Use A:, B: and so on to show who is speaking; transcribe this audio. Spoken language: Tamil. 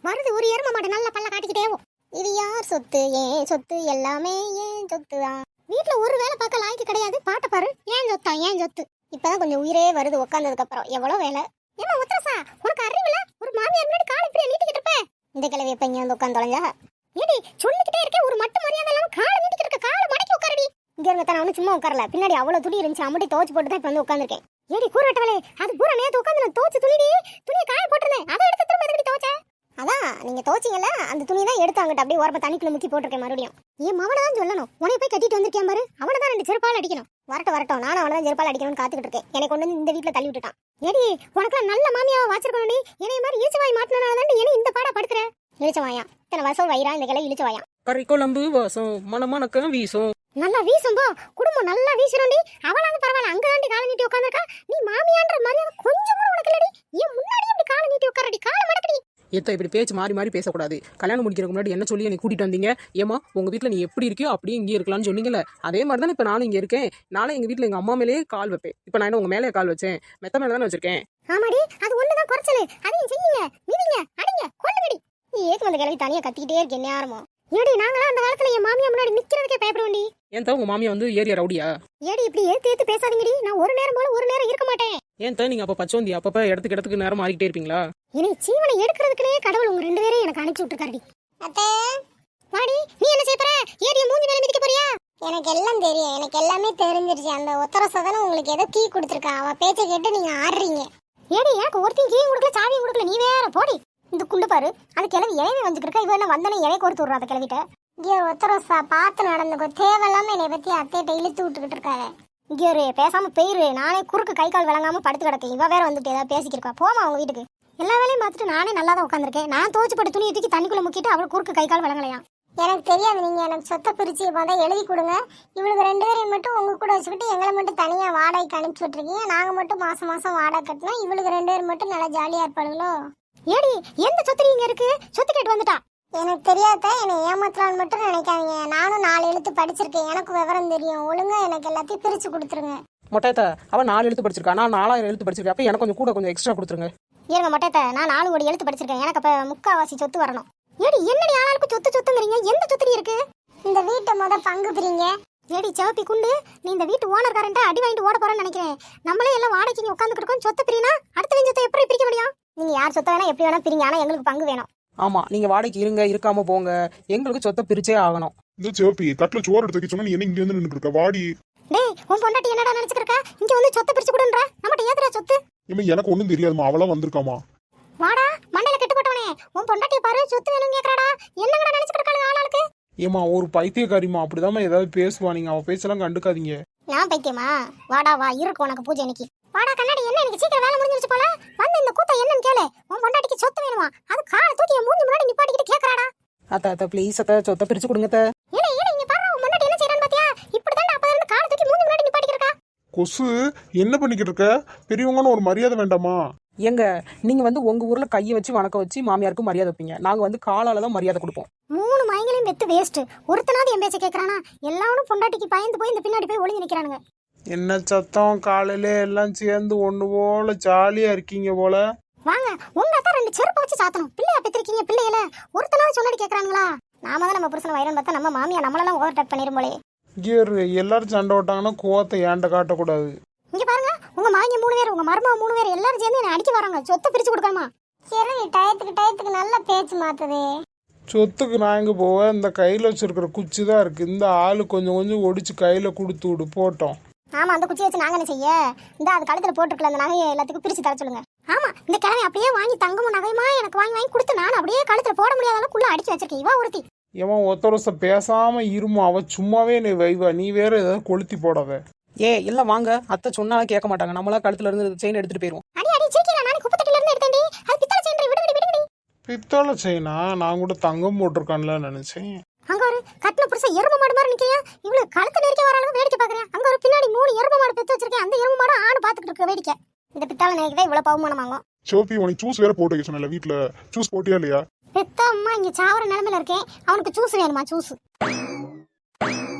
A: வருது ஒரு எரும மாடு நல்ல பல்ல காட்டிக்கிட்டேவும். இது யார் சொத்து? ஏன் சொத்து, எல்லாமே ஏன் சொத்து தான். வீட்டுல ஒரு வேலை பார்க்க லாய்க்கு கிடையாது. பாட்ட பாரு, ஏன் சொத்தா ஏன் சொத்து. இப்பதான் கொஞ்சம் உயிரே வருது உட்காந்ததுக்கு அப்புறம். எவ்வளவு வேலை. ஏமா உத்தரசா, உனக்கு அறிவில்ல? ஒரு மாமியார் முன்னாடி காலை இப்படியே நீட்டிக்கிட்டு இருப்ப. இந்த கிழவி எப்ப இங்க வந்து உட்காந்து தொலைஞ்சா? ஏடி சொல்லிக்கிட்டே இருக்கேன், ஒரு மட்டு மரியாதை இல்லாம காலை நீட்டிக்கிட்டு இருக்க. காலை மடக்கி உட்காரடி. இங்க இருங்க, நான் ஒன்னும் சும்மா உட்காரல. பின்னாடி அவ்வளவு துணி இருந்துச்சு, அம்மட்டி துவச்சு போட்டு தான் இப்ப வந்து உட்காந்துருக்கேன். ஏடி கூற வெட்டவளே, அது பூரா நேத்து உட்காந்து நான் துவச்சு துணியை காய போட்டிருந்தேன். அதை எடுத்து திரும்ப எதுக்கடி துவச்ச? அதான் நீங்க துவச்சிங்கல்ல, அந்த துணி தான் எடுத்து அங்கிட்ட அப்படியே ஓரப்ப தண்ணிக்குள்ள முக்கி போட்டிருக்கேன். மறுபடியும் என் மவனை தான் சொல்லணும், உனைய போய் கட்டிட்டு வந்திருக்கேன் பாரு. அவனை தான் 2 செருப்பால் அடிக்கணும். வரட்டும், நானும் அவனை தான் செருப்பால் அடிக்கணும்னு காத்துக்கிட்டு இருக்கேன். என்னை கொண்டு வந்து இந்த வீட்டுல தள்ளி விட்டுட்டான். ஏடி உனக்குலாம் நல்ல மாமியாவை வாச்சிருக்கணும். என்னைய மாதிரி இழிச்சவாய் மாட்டினால தான் என்ன இந்த பாடா படுத்துற. இழிச்சவாயா இத்தனை வருஷம் வயிறா இந்த கிளை இழிச்சவாயா.
B: கறி குழம்பு வாசம் மனமனக்க வீசும்.
A: நல்லா வீசும் போ, குடும்பம் நல்லா வீசுறோண்டி. அவளாவது பரவாயில்ல, அங்க தாண்டி காலை நீட்டி உட்காந்துருக்கா. நீ மாமியான்ற மரியாதை கொஞ்சம் கூட உனக்கு இல்லடி. ஏன் முன்னாடி இப்படி காலை நீட்டி உட்காரடி, காலை மடக்கடி.
B: ஏத்த இப்படி பேச்சு மாறி மாறி பேசக்கூடாது. கல்யாணம் முடிக்கிறதுக்கு முன்னாடி என்ன சொல்லி என்னை கூட்டிட்டு வந்தீங்க? ஏமா உங்க வீட்டுல நீ எப்படி இருக்கியோ அப்படியே இங்கே இருக்கலாம்னு சொன்னீங்கல்ல, அதே மாதிரி தானே இப்ப நானும் இங்க இருக்கேன். நாளை எங்க வீட்டுல எங்க அம்மா மேலேயே கால் வைப்பேன். இப்ப நான் என்ன உங்க மேலே கால் வச்சேன்? மெத்த மேல தானே வச்சிருக்கேன்.
A: ஆமாடி, அது ஒண்ணுதான் குறைச்சலு. அதையும் செய்யுங்க, மிதிங்க, அடிங்க, கொல்லுங்கடி. நீ ஏக்கு வந்த கிளவி தனியா கத்திக்கிட்டே இருக்கேன். என்ன ஆரம்பம் ஏடி, நாங்களாம் அந்த காலத்துல என் மாமியா முன்னாடி நிக்கிறதுக்கே பயப்படுவோண்டி.
B: ஏன் உங்க மாமியா வந்து ஏரியா ரவுடியா?
A: ஏடி இப்படி ஏத்து பேசாதீங்கடி. நான் ஒரு நேரம் போல ஒரு நேரம் இருக்க மாட்டேன்.
B: ஏன் நீங்க அப்ப பச்சோந்தி அப்பப்ப இடத்துக்கு நேரம் மாறிக்கிட்டே இருப்பீங்களா?
A: இனி ஜீவனை எடுக்கிறதுக்குனே கடவுள் உங்க 2 பேரையும் எனக்கு அனுப்பிச்சு விட்டுருக்காருடி. அத்தே வாடி, நீ என்ன செய்ய போற? ஏடிய மூஞ்சி மேல மிதிக்க போறியா? எனக்கு எல்லாம் தெரியும், எனக்கு எல்லாமே தெரிஞ்சிருச்சு. அந்த உத்தரசதன உங்களுக்கு ஏதோ கீ கொடுத்துருக்கா, அவ பேச்சை கேட்டு நீங்க ஆடுறீங்க. ஏடி எனக்கு ஒருத்தையும் கீயும் கொடுக்கல, சாவியும் கொடுக்கல, நீ வேற போடி. இந்த குண்டு பாரு, அது கிளவி இலையை வந்துட்டு இருக்கா. இவ என்ன வந்தனே இலையை கொடுத்து விடுறா அந்த கிளவிட்ட. இங்கே ஒத்தரசா பார்த்து நடந்துக்கோ, தேவையில்லாம என்னை பத்தி அத்தையிட்ட இழுத்து விட்டுக்கிட்டு இருக்காரு. இங்கே ஒரு பேசாம போயிரு, நானே குறுக்கு கை கால் விளங்காம படுத்து கிடக்கேன். இவ வேற வந்துட்டு ஏதாவது பேசிக்கிருக்கா. போமா அவங்க வீட்டுக்கு. எல்லா வேலையும் பார்த்துட்டு நானே நல்லா தான் உட்காந்துருக்கேன். நான் துவச்சு போட்டு துணியை தூக்கி தண்ணிக்குள்ள முக்கிட்டு அவள் குறுக்கு கை கால் விளங்கலையா. எனக்கு தெரியாது, நீங்க எனக்கு சொத்தை பிரிச்சு முதல் எழுதி கொடுங்க. இவளுக்கு 2 பேரையும் மட்டும் உங்க கூட வச்சுக்கிட்டு எங்களை மட்டும் தனியா வாடகைக்கு அனுப்பிச்சு விட்டுருக்கீங்க. நாங்க மட்டும் மாசம் வாடகை கட்டினோம். இவளுக்கு 2 பேர் மட்டும் நல்லா ஜாலியா இருப்பாளுங்களோ. ஏடி எந்த சொத்து நீங்க இருக்கு? சொத்து கேட்டு வந்துட்டா. எனக்கு தெரியாத, என்னை ஏமாத்தலான்னு மட்டும் நினைக்காதீங்க. நானும் 4 எழுத்து படிச்சிருக்கேன், எனக்கு விவரம் தெரியும். ஒழுங்கா எனக்கு எல்லாத்தையும் பிரிச்சு கொடுத்துருங்க.
B: மொட்டையத்த அவன் 4 எழுத்து படிச்சிருக்கா, நான் 4000 எழுத்து படிச்சிருக்கேன். அப்ப எனக்கு கொஞ்சம் எக்ஸ்ட்ரா கொடுத்துருங்க.
A: ஏங்க மொட்டையத்த, நான் 4 கோடி எழுத்து படிச்சிருக்கேன். எனக்கு அப்ப 3/4 சொத்து வரணும். ஏடி என்னடி ஆளாளுக்கு சொத்துங்கிறீங்க? எந்த சொத்து இருக்கு? இந்த வீட்டை பங்கு பிரிங்க. ஏடி சிவப்பி குண்டு, நீ இந்த வீட்டு ஓனர்காரன்ட்ட அடி வாங்கிட்டு ஓட போறேன்னு நினைக்கிறேன். நம்மளே எல்லாம் வாடகைக்கு உட்காந்துட்டு இருக்கோம். சொத்து பிரினா அடுத்த சொத்தை எப்படி பிரிக்க முடியும்? நீங்க யார் சொத்தை வேணா எப்படி வேணா பிரிங்க, ஆனா எங்களுக்கு பங்கு வேணும்.
B: ஆமா, நீங்க வாடகைக்கு இருங்க, இருக்காம போங்க, எங்களுக்கு சொத்தை பிரிச்சே ஆகணும்.
C: இந்த சிவப்பி தட்டுல சோறு எடுத்து வைக்க சொன்னா நீ என்ன இங்க வந்து நின்னுட்டு இருக்க? வாடி.
A: டேய் உன் பொண்டாட்டி என்னடா நினைச்சிருக்கா? இங்க வந்து சொத்தை பிரிச்சு கொடுன்றா. நம்மட்ட ஏதுடா சொத்து?
C: எனக்கு ஒண்ணும் தெரியாதுமா, அவளா வந்திருக்காமா.
A: வாடா மண்டையில கெட்டு போட்டவனே, உன் பொண்டாட்டி பாரு சொத்து வேணும் கேக்குறாடா. என்னங்கடா நினைச்சிட்டு இருக்காங்க ஆளாளுக்கு?
B: ஏமா ஒரு பைத்தியக்காரிமா, அப்படிதாம்மா ஏதாவது பேசுவா. நீங்க அவ பேச்செல்லாம் கண்டுக்காதீங்க.
A: நான் பைத்தியமா? வாடா வா, இருக்கு உனக்கு பூஜை இன்னைக்கு. வாடா கண்ணாடி, என்ன இன்னைக்கு சீக்கிரம் வேலை முடிஞ்சிருச்சு போல. வந்து இந்த கூத்த என்னன்னு கேளு. உன் பொண்டாட்டிக்கு சொத்து வேணுமா? அது காலை தூக்கி மூஞ்சி முன்னாடி நிப்பாட்டிக்கிட்டு கேக்குறாடா.
B: அத்த ப்ளீஸ் அத்த, சொத்தை பிரிச்சு கொடுங்க அத்த.
A: ஏலே இங்க பாரு, உன் பொண்டாட்டி என்ன செய்றான்னு பாத்தியா? இப்படிதான் அப்ப இருந்து காலை தூக்கி மூஞ்சி முன்னாடி நிப்பாட்டிக்கிறா.
C: கொசு என்ன பண்ணிக்கிட்டு இருக்க? பெரியவங்கன்னு ஒரு மரியாதை வேண்டாமா?
B: எங்க நீங்க வந்து உங்க ஊர்ல கையை வச்சு வணக்கம் வச்சு மாமியாருக்கு மரியாதை வைப்பீங்க. நாங்க வந்து காலால தான் மரியாதை கொடுப்போம்.
A: 3 மயங்களையும் வெத்து வேஸ்ட். ஒருத்தனாவது என் பேச்ச கேக்குறானா? எல்லாரும் பொண்டாட்டிக்கு பயந்து போய் இந்த பின்னாடி போய் ஒளிஞ்சு நிக்கிறானுங்க.
B: என்ன சத்தம்? காலையில எல்லாம் சேர்ந்து ஒண்ணு போல ஜாலியா இருக்கீங்க போல.
A: வாங்க, உங்க அத்தா 2 செருப்பு வச்சு சாத்தணும். பிள்ளையா பெத்திருக்கீங்க, பிள்ளையில ஒருத்தனாவது சொன்னாடி கேக்குறாங்களா? நாம தான் நம்ம புருஷன் வயிறன் பார்த்தா நம்ம மாமியா நம்மளெல்லாம் ஓவர் டேக் பண்ணிரும் போலே.
B: எல்லாரும் சண்டை ஓட்டாங்கன்னா கோவத்தை ஏண்ட காட்டக்கூடாது.
A: இங்க பாருங்க, உங்க மாமியா 3 பேர், உங்க மருமக 3 பேர் எல்லாரும் சேர்ந்து என்ன அடிக்க வராங்க. சொத்தை பிரிச்சு கொடுக்கணுமா? சரி, டயத்துக்கு நல்ல பேச்சு மாத்துதே.
B: சொத்துக்கு நான் எங்க போவேன்? இந்த கையில வச்சிருக்கிற குச்சி தான் இருக்கு. இந்த ஆளு கொஞ்சம் ஒடிச்சு கையில கொடுத்து விடு போட்டோம்.
A: ஆமா, அந்த குச்சி வச்சு நாங்க என்ன செய்ய? இந்த அது கழுத்துல போட்டுருக்கல அந்த நகையை எல்லாத்துக்கும் பிரிச்சு தர சொல்லுங்க. ஆமா, இந்த கிழமை அப்படியே வாங்கி தங்கமும் நகையுமா எனக்கு வாங்கி கொடுத்து நான் அப்படியே கழுத்துல போட முடியாத அளவுக்குள்ள அடிச்சு வச்சிருக்கேன். இவா ஒருத்தி.
B: இவன் ஒத்தரச பேசாம இருமா, அவ சும்மாவே நீ வைவா, நீ வேற ஏதாவது கொளுத்தி போடாத. இல்ல வாங்க, அத்தை சொன்னாலும் கேட்க மாட்டாங்க. நம்மளா கழுத்துல இருந்து செயின் எடுத்துட்டு போயிருவோம்.
A: அடி சீக்கிரம், நான் குப்பத்தட்டில இருந்து எடுத்தேன்டி. அது பித்தளை செயின். விடு.
B: பித்தளை செயினா? நான் கூட தங்கம் போட்டிருக்கான்ல நினைச்சேன்.
A: அங்க ஒரு கட்டின புருஷன் எரும மாடு மாதிரி நிக்கிறியா? இவ்வளவு கழுத்து நெருக்க வர அளவுக்கு வேடிக்கை பாக்குறேன். அங்க ஒரு பின்னாடி 3 எரும மாடு பெத்து வச்சிருக்கேன். அந்த எரும மாடு ஆடு பாத்துக்கிட்டு இருக்க வேடிக்கை. இந்த பித்தாளை நகைக்கு இவ்வளவு பவுமானம் வாங்கும்.
C: சிவப்பி உனக்கு ஜூஸ் வேற போட்டு வைக்க சொன்னல, வீட்டுல ஜூஸ் போட்டியா இல்லையா?
A: பெத்த அம்மா இங்க சாவர நிலைமையில இருக்கேன். அவனுக்கு ஜூஸ் வேணுமா? ஜூஸ்